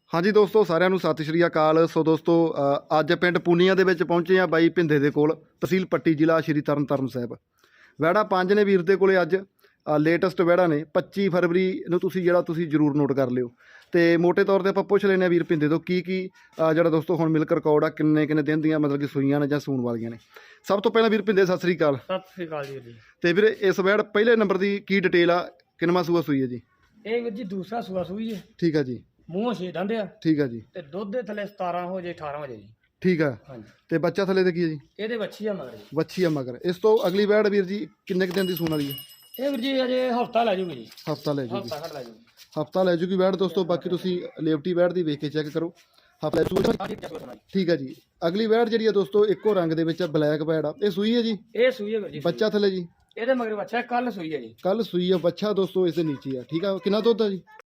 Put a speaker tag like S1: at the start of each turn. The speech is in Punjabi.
S1: हाँ जी दोस्तों, साਰਿਆਂ ਨੂੰ ਸਤਿ ਸ਼੍ਰੀ ਅਕਾਲ। ਸੋ ਦੋਸਤੋ ਅੱਜ ਪਿੰਡ ਪੂਨੀਆਂ ਦੇ ਵਿੱਚ ਪਹੁੰਚੇ ਆ ਬਾਈ ਭਿੰਦੇ ਦੇ ਕੋਲ, ਤਹਿਸੀਲ ਪੱਟੀ, ਜ਼ਿਲ੍ਹਾ ਸ਼੍ਰੀ ਤਰਨਤਾਰਨ ਸਾਹਿਬ। ਵਹਿੜਾ 5 ਨੇ ਵੀਰ ਦੇ ਕੋਲੇ ਅੱਜ ਲੇਟੈਸਟ ਵਹਿੜਾ ਨੇ। 25 ਫਰਵਰੀ ਨੂੰ ਤੁਸੀਂ ਜ਼ਰੂਰ ਨੋਟ ਕਰ ਲਿਓ। ਤੇ ਮੋਟੇ ਤੌਰ ਤੇ ਆਪਾਂ ਪੁੱਛ ਲੈਂਦੇ ਹਾਂ ਵੀਰ ਭਿੰਦੇ ਤੋਂ ਕੀ ਜਿਹੜਾ ਦੋਸਤੋ ਹੁਣ ਮਿਲਕ ਰਿਕਾਰਡ ਆ, ਕਿੰਨੇ ਦਿਨ ਦੀਆਂ ਮਤਲਬ ਕਿ ਸੂਈਆਂ ਨੇ ਜਾਂ ਸੂਣ ਵਾਲੀਆਂ ਨੇ। ਸਭ ਤੋਂ ਪਹਿਲਾਂ ਵੀਰ ਭਿੰਦੇ ਸਤਿ ਸ਼੍ਰੀ ਅਕਾਲ।
S2: ਸਤਿ ਸ੍ਰੀ ਅਕਾਲ ਜੀ।
S1: ਤੇ ਵੀਰ ਇਸ ਵਹਿੜ ਪਹਿਲੇ ਨੰਬਰ ਦੀ ਕੀ ਡਿਟੇਲ ਆ, ਕਿੰਨਵਾਂ ਸੂਆ ਸੂਈ ਹੈ ਜੀ?
S2: ਇਹ ਵੀਰ ਜੀ ਦੂਸਰਾ ਸੂਆ ਸੂਈ ਹੈ।
S1: ਠੀਕ ਆ ਜੀ।
S2: ਮੂੰਹੋਂ 6 ਦੰਦ ਆ
S1: ਠੀਕ ਆ ਜੀ।
S2: ਤੇ ਦੁੱਧ ਦੇ ਥੱਲੇ 17 ਹੋ ਜੇ 18 ਹੋ ਜੇ ਜੀ।
S1: ਠੀਕ ਆ।
S2: ਹਾਂਜੀ।
S1: ਤੇ ਬੱਚਾ ਥੱਲੇ ਤੇ ਕੀ ਹੈ ਜੀ?
S2: ਇਹਦੇ ਵੱਛੀ ਆ ਮਗਰ ਜੀ।
S1: ਵੱਛੀ ਆ ਮਗਰ। ਇਸ ਤੋਂ ਅਗਲੀ ਵਹਿੜ ਵੀਰ ਜੀ ਕਿੰਨੇ ਕੁ ਦਿਨ ਦੀ ਸੂਣ ਵਾਲੀ ਹੈ?
S2: ਇਹ ਵੀਰ ਜੀ ਅਜੇ ਹਫਤਾ ਲੈ ਜੂਗੀ ਜੀ।
S1: ਹਫਤਾ ਲੈ ਜੂਗੀ।
S2: ਹਫਤਾ ਘੱਟ ਲੈ ਜੂਗੀ।
S1: ਹਫਤਾ ਲੈ ਜੂਗੀ ਵਹਿੜ ਦੋਸਤੋ। ਬਾਕੀ ਤੁਸੀਂ ਲੇਵਟੀ ਵਹਿੜ ਦੀ ਵੇਖ ਕੇ ਚੈੱਕ ਕਰੋ। ਹਫਤਾ ਠੀਕ ਹੈ ਜੀ। ਅਗਲੀ ਵਹਿੜ ਜਿਹੜੀ ਆ ਦੋਸਤੋ ਇੱਕੋ ਰੰਗ ਦੇ ਵਿੱਚ ਆ, ਬਲੈਕ ਵਹਿੜ ਆ। ਇਹ ਸੂਈ ਹੈ ਜੀ?
S2: ਇਹ ਸੂਈ ਹੈ ਵੀਰ ਜੀ।
S1: ਬੱਚਾ ਥੱਲੇ ਜੀ?
S2: ਇਹਦੇ ਮਗਰ ਬੱਚਾ ਕੱਲ ਸੂਈ ਹੈ ਜੀ।
S1: ਕੱਲ ਸੂਈ ਆ। ਬੱਚਾ ਦੋਸਤੋ ਇਸ ਦੇ ਨੀਚੇ ਆ। ਠੀਕ ਆ। ਕਿੰਨਾ ਦੁੱਧ ਆ ਜੀ?